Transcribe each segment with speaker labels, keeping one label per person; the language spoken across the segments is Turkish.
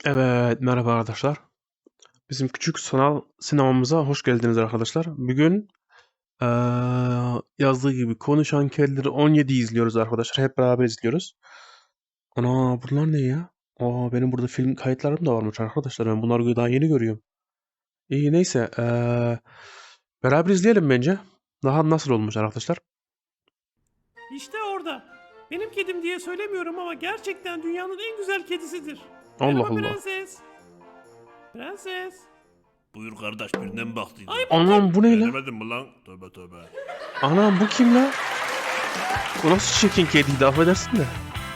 Speaker 1: Evet, merhaba arkadaşlar. Bizim küçük sanal sinemamıza hoş geldiniz arkadaşlar. Bugün yazdığı gibi Konuşan Kedileri 17 izliyoruz arkadaşlar. Hep beraber izliyoruz. Ana bunlar ne ya? Benim burada film kayıtlarım da varmış arkadaşlar. Ben bunları daha yeni görüyorum. İyi neyse. Beraber izleyelim bence. Daha nasıl olmuş arkadaşlar?
Speaker 2: İşte orada. Benim kedim diye söylemiyorum ama gerçekten dünyanın en güzel kedisidir.
Speaker 1: Allah
Speaker 2: Merhaba
Speaker 1: Allah.
Speaker 2: prenses. Prenses.
Speaker 3: Buyur kardeş birine mi baktıydın?
Speaker 2: Ay bu
Speaker 1: Anam bu ne lan?
Speaker 3: Beğenemedin mi lan? Tövbe tövbe.
Speaker 1: Anam bu kim lan? Bu nasıl çirkin kediydi affedersin de.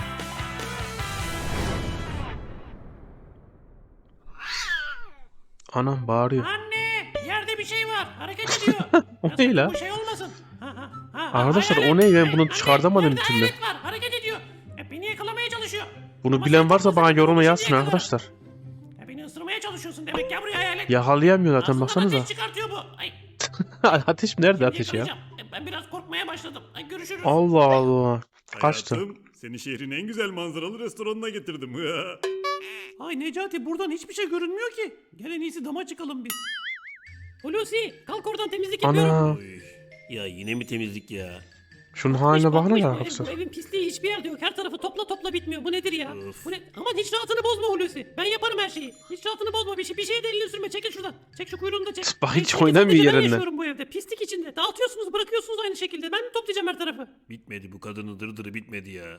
Speaker 1: Anam bağırıyor.
Speaker 2: Anne! Yerde bir şey var. Hareket ediyor.
Speaker 1: O
Speaker 2: Ya
Speaker 1: ne
Speaker 2: sakın
Speaker 1: la?
Speaker 2: Bu şey olmasın.
Speaker 1: Arkadaşlar, o
Speaker 2: hayalet.
Speaker 1: ne? Ben bunu
Speaker 2: Anne,
Speaker 1: çıkartamadım bir
Speaker 2: yerde
Speaker 1: türlü.
Speaker 2: hayalet var. Hareket ediyor. Beni yakalamaya çalışıyor.
Speaker 1: Bunu
Speaker 2: Ama
Speaker 1: bilen
Speaker 2: sen
Speaker 1: varsa
Speaker 2: korkma,
Speaker 1: bana
Speaker 2: sakın
Speaker 1: yoruma
Speaker 2: korkma,
Speaker 1: yazsın
Speaker 2: şimdi yakalarım.
Speaker 1: arkadaşlar.
Speaker 2: Beni ısırmaya çalışıyorsun demek. Gel buraya hayalet.
Speaker 1: Yakalayamıyor zaten
Speaker 2: Ağzından
Speaker 1: baksanıza.
Speaker 2: ateş çıkartıyor bu. Ay,
Speaker 1: Ateş nerede
Speaker 2: şimdi
Speaker 1: ateş ya?
Speaker 2: yakalayacağım. Ben biraz korkmaya başladım. Görüşürüz.
Speaker 1: Allah Allah. Kaçtı.
Speaker 3: Hayatım, seni şehrin en güzel manzaralı restoranına getirdim.
Speaker 2: Ay Necati buradan hiçbir şey görünmüyor ki. Gel en iyisi dama çıkalım biz. Hulusi kalk oradan temizlik yapıyorum.
Speaker 1: Ana.
Speaker 3: Oy. Ya yine mi temizlik ya?
Speaker 1: Şunun
Speaker 2: Batmış,
Speaker 1: haline bakın
Speaker 2: batmış.
Speaker 1: arkadaşlar.
Speaker 2: Bu evin pisliği hiçbir yerde yok. Her tarafı topla bitmiyor. Bu nedir ya?
Speaker 3: Of.
Speaker 2: Bu ne? Aman hiç rahatını bozma Hulusi. Ben yaparım her şeyi. Hiç rahatını bozma. Bir şeye de elini sürme. Çekil şuradan. Çek şu kuyruğunu da çek.
Speaker 1: Bak, hiç
Speaker 2: Sadece
Speaker 1: oynamıyor
Speaker 2: ben
Speaker 1: yerinden.
Speaker 2: yaşıyorum bu evde. Pislik içinde. Dağıtıyorsunuz bırakıyorsunuz aynı şekilde. Ben mi toplayacağım her tarafı?
Speaker 3: Bitmedi bu kadının dırdırı bitmedi ya.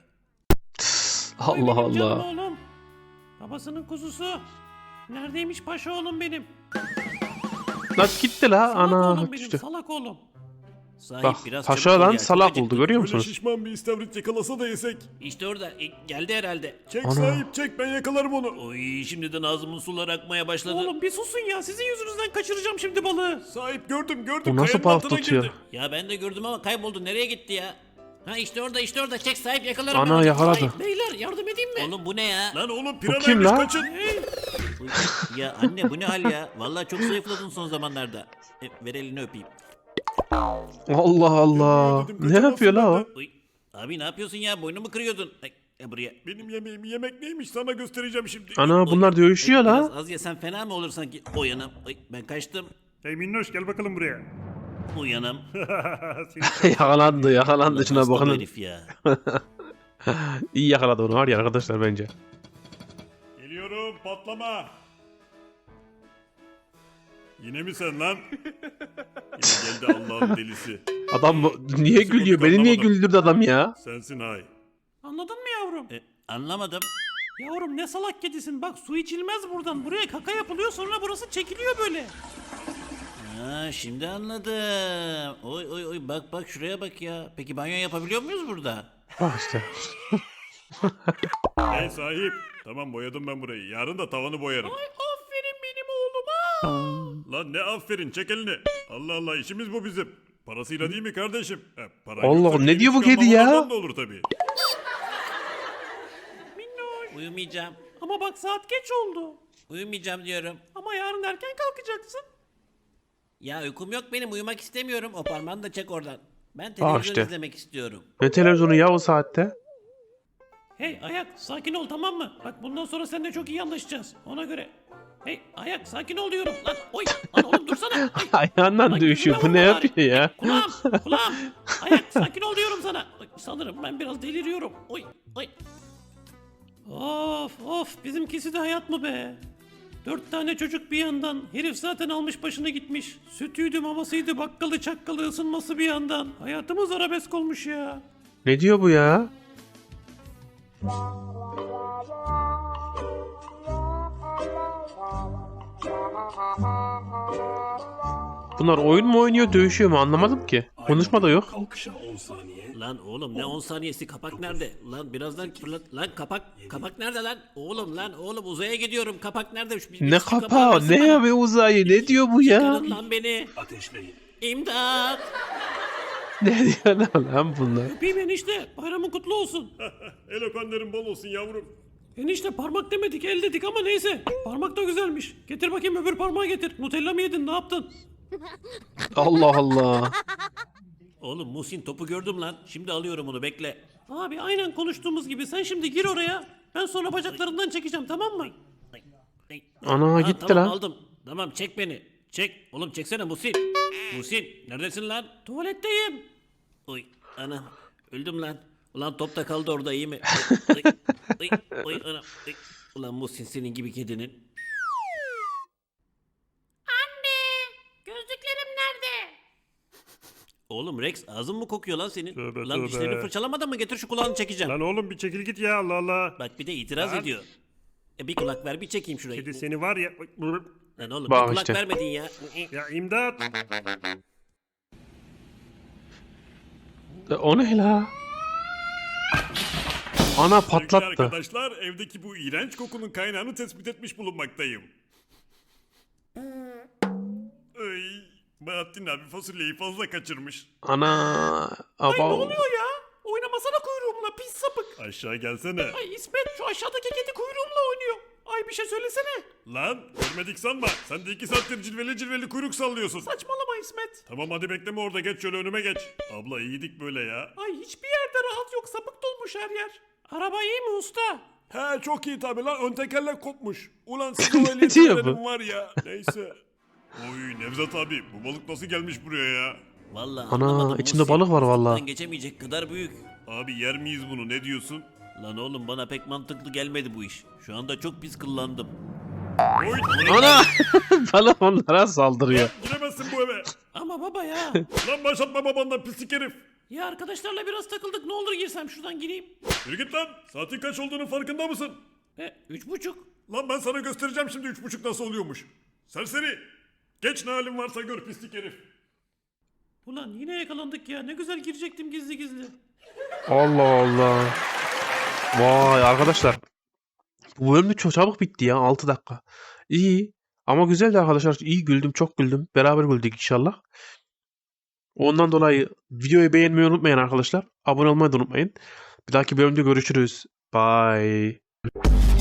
Speaker 2: Oy
Speaker 1: Allah
Speaker 2: benim canım
Speaker 1: Allah.
Speaker 2: oğlum. Babasının kuzusu. Neredeymiş paşa oğlum benim?
Speaker 1: Lan gitti la.
Speaker 2: Salak
Speaker 1: Ana
Speaker 2: oğlum benim.
Speaker 1: düştü.
Speaker 2: Salak oğlum.
Speaker 3: Sahip
Speaker 1: Bak
Speaker 3: biraz
Speaker 1: paşa
Speaker 3: çabuk ol
Speaker 1: lan
Speaker 3: ya,
Speaker 1: salak
Speaker 3: çok
Speaker 1: oldu
Speaker 3: acıktım.
Speaker 1: görüyor
Speaker 3: Böyle
Speaker 1: musunuz?
Speaker 3: şişman bir istavrit yakalasa da yesek.
Speaker 4: İşte orada geldi herhalde.
Speaker 3: Çek
Speaker 1: Ana.
Speaker 3: sahip çek ben yakalarım onu.
Speaker 4: Oy şimdiden ağzımın suları akmaya başladı.
Speaker 2: Oğlum bir susun ya. Sizin yüzünüzden kaçıracağım şimdi balığı.
Speaker 3: Sahip gördüm
Speaker 1: Bu nasıl
Speaker 3: kayanın
Speaker 1: balık
Speaker 3: altına
Speaker 1: tutuyor?
Speaker 3: girdi.
Speaker 4: Ya ben de gördüm ama kayboldu. Nereye gitti ya? Ha işte orada çek sahip yakalarım.
Speaker 1: Ana,
Speaker 4: ben onu.
Speaker 1: yakaladı.
Speaker 4: Sahip.
Speaker 2: Beyler yardım edeyim mi?
Speaker 4: Oğlum bu ne ya?
Speaker 3: Lan oğlum
Speaker 1: kim
Speaker 3: piranaymış
Speaker 1: lan?
Speaker 3: kaçın.
Speaker 4: Uy, ya anne bu ne hal ya? Vallahi çok zayıfladın son zamanlarda. Ver elini öpeyim.
Speaker 1: Allah Allah.
Speaker 3: Dedim,
Speaker 1: Ne
Speaker 3: kaçamazsın
Speaker 1: yapıyor la o?
Speaker 3: benden.
Speaker 4: Uy, abi ne yapıyorsun ya? Boynumu kırıyordun. Ay, buraya.
Speaker 3: Benim yemeğim yemek neymiş sana göstereceğim şimdi.
Speaker 1: Ana bunlar dövüşüyor
Speaker 4: Biraz
Speaker 1: la.
Speaker 4: az yesen fena mı olur sanki? Uyanım. Ay, ben kaçtım.
Speaker 3: Hey Minnoş gel bakalım buraya.
Speaker 4: Uyanım.
Speaker 1: Yakalandı şuna
Speaker 4: Hasta bu
Speaker 1: bakın.
Speaker 4: herif ya.
Speaker 1: İyi yakaladı onu var ya arkadaşlar bence.
Speaker 3: Geliyorum patlama. Yine mi sen lan? Yine geldi Allah'ın delisi.
Speaker 1: Adam niye gülüyor? Beni niye güldürdü adam ya?
Speaker 3: Sensin hay.
Speaker 2: Anladın mı yavrum?
Speaker 4: Anlamadım.
Speaker 2: Yavrum ne salak kedisin. Bak su içilmez buradan. Buraya kaka yapılıyor sonra burası çekiliyor böyle.
Speaker 4: Ha, şimdi anladım. Oy bak şuraya bak ya. Peki banyo yapabiliyor muyuz burada?
Speaker 1: Bak işte.
Speaker 3: Hey sahip. Tamam boyadım ben burayı. Yarın da tavanı boyarım.
Speaker 2: Ay aferin benim oğluma.
Speaker 3: Lan ne aferin çek elini. Allah Allah işimiz bu bizim. Parasıyla değil mi kardeşim? Para
Speaker 1: Allah,
Speaker 3: yoksa
Speaker 1: ne
Speaker 3: benim
Speaker 1: diyor bu
Speaker 3: çıkan
Speaker 1: kedi ya?
Speaker 3: babalardan da olur tabii.
Speaker 2: Minnoş.
Speaker 4: Uyumayacağım.
Speaker 2: Ama bak saat geç oldu.
Speaker 4: Uyumayacağım diyorum.
Speaker 2: Ama yarın erken kalkacaksın.
Speaker 4: Ya uykum yok benim. Uyumak istemiyorum. O parmağını da çek oradan. Ben televizyon
Speaker 1: işte.
Speaker 4: izlemek istiyorum.
Speaker 1: Ne televizyonu ya o saatte?
Speaker 2: Hey Ayak sakin ol tamam mı? Bak bundan sonra seninle çok iyi anlaşacağız. Ona göre. Hey Ayak sakin ol diyorum. Lan oy. Lan oğlum dursana. Ay,
Speaker 1: Ayağından
Speaker 2: Ay,
Speaker 1: dövüşüyor. Bu
Speaker 2: yüzüme
Speaker 1: ne
Speaker 2: vurma bari.
Speaker 1: yapıyor ya?
Speaker 2: Kulağım. Ayak sakin ol diyorum sana. Ay, sanırım ben biraz deliriyorum. Oy. Of bizimkisi de hayat mı be? 4 tane çocuk bir yandan. Herif zaten almış başını gitmiş. Sütüydü mamasıydı bakkalı çakkalı ısınması bir yandan. Hayatımız arabesk olmuş ya.
Speaker 1: Ne diyor bu ya? Bunlar oyun mu oynuyor, dövüşüyor mu anlamadım ki. Konuşma da yok.
Speaker 4: Lan oğlum ne 10 saniyesi kapak nerede? Lan birazdan fırlat. Lan kapak nerede lan? Oğlum uzaya gidiyorum. Kapak nerede?
Speaker 1: Ne kapağı, ne ya be uzayı, ne diyor bu ya?
Speaker 4: Çıkarın lan beni. İmdat.
Speaker 1: Ne diyor lan bunlar?
Speaker 2: Öpeyim enişte. Bayramın kutlu olsun.
Speaker 3: El öpenlerin bol olsun yavrum.
Speaker 2: Enişte parmak demedik el dedik ama neyse. Parmak da güzelmiş. Getir bakayım öbür parmağı getir. Nutella mı yedin ne yaptın?
Speaker 1: Allah Allah.
Speaker 4: Oğlum Muhsin topu gördüm lan. Şimdi alıyorum onu bekle.
Speaker 2: Abi aynen konuştuğumuz gibi sen şimdi gir oraya. Ben sonra bacaklarından çekeceğim tamam mı?
Speaker 1: Ana
Speaker 4: Ha,
Speaker 1: gitti
Speaker 4: tamam
Speaker 1: lan.
Speaker 4: aldım. Tamam çek beni. Çek. Oğlum çeksene Muhsin. Muhsin neredesin lan?
Speaker 2: Tuvaletteyim.
Speaker 4: Oy anam öldüm lan. Ulan top da kaldı orada iyi mi? Oy, oy, oy, anam. Oy. Ulan Muhsin senin gibi kedinin.
Speaker 2: Gözlüklerim nerede?
Speaker 4: Oğlum Rex ağzın mı kokuyor lan senin?
Speaker 3: Tövbe,
Speaker 4: Ulan
Speaker 3: tövbe.
Speaker 4: dişlerini fırçalamadan mı getir şu kulağını çekeceğim.
Speaker 3: Lan oğlum bir çekil git ya Allah Allah.
Speaker 4: Bak bir de itiraz
Speaker 3: Lan.
Speaker 4: ediyor. Bir kulak ver bir çekeyim şurayı.
Speaker 3: Kedi seni var ya.
Speaker 4: Lan oğlum
Speaker 1: Bak
Speaker 4: bir kulak
Speaker 1: işte.
Speaker 4: vermedin ya.
Speaker 3: Ya imdat.
Speaker 1: O ne la? Ana
Speaker 3: Sevgili
Speaker 1: patlattı.
Speaker 3: arkadaşlar evdeki bu iğrenç kokunun kaynağını tespit etmiş bulunmaktayım. Ay, Bahattin abi fasulyeyi fazla kaçırmış.
Speaker 1: Ana. Aba.
Speaker 2: oluyor ya? Oynamasana kuyruğumla pis sapık.
Speaker 3: Aşağı gelsene.
Speaker 2: Ay İsmet şu aşağıdaki kedi kuyruğumla oynuyor. Ay bir şey söylesene.
Speaker 3: Lan görmedik sanma. Sen de 2 saattir cilveli cilveli kuyruk sallıyorsun.
Speaker 2: Saçmalama İsmet.
Speaker 3: Tamam hadi bekleme orada geç şöyle önüme geç. Abla iyiydik böyle ya.
Speaker 2: Ay hiçbir yerde rahat yok sapık dolmuş her yer. Araba iyi mi usta?
Speaker 3: He çok iyi tabi lan ön tekerlek kopmuş. Ulan siz o ehliyet
Speaker 1: diyor bu?
Speaker 3: verelim var ya. Neyse. Oy Nevzat abi bu balık nasıl gelmiş buraya ya?
Speaker 4: Vallahi
Speaker 1: Ana,
Speaker 4: anlamadım
Speaker 1: içinde
Speaker 4: Muhsin.
Speaker 1: balık var vallahi.
Speaker 4: Fıstıktan geçemeyecek kadar büyük.
Speaker 3: Abi yer miyiz bunu ne diyorsun?
Speaker 4: Lan oğlum bana pek mantıklı gelmedi bu iş. Şu anda çok pis kıllandım.
Speaker 3: Oy
Speaker 1: Ana. Balık onlara saldırıyor.
Speaker 3: giremezsin bu eve.
Speaker 2: Ama baba ya.
Speaker 3: Lan başlatma babandan pislik herif.
Speaker 2: Ya arkadaşlarla biraz takıldık ne olur girsem şuradan gireyim.
Speaker 3: Yürü git lan. Saatin kaç olduğunun farkında mısın?
Speaker 2: 3.30.
Speaker 3: Lan ben sana göstereceğim şimdi 3.30 nasıl oluyormuş. Serseri. Geç ne halin varsa gör pislik herif.
Speaker 2: Ulan yine yakalandık ya ne güzel girecektim gizli gizli.
Speaker 1: Allah Allah. Vay arkadaşlar. Bu bölüm de çok çabuk bitti ya. 6 dakika. İyi. Ama güzeldi arkadaşlar. İyi güldüm. Çok güldüm. Beraber güldük inşallah. Ondan dolayı videoyu beğenmeyi unutmayın arkadaşlar. Abone olmayı da unutmayın. Bir dahaki bölümde görüşürüz. Bye.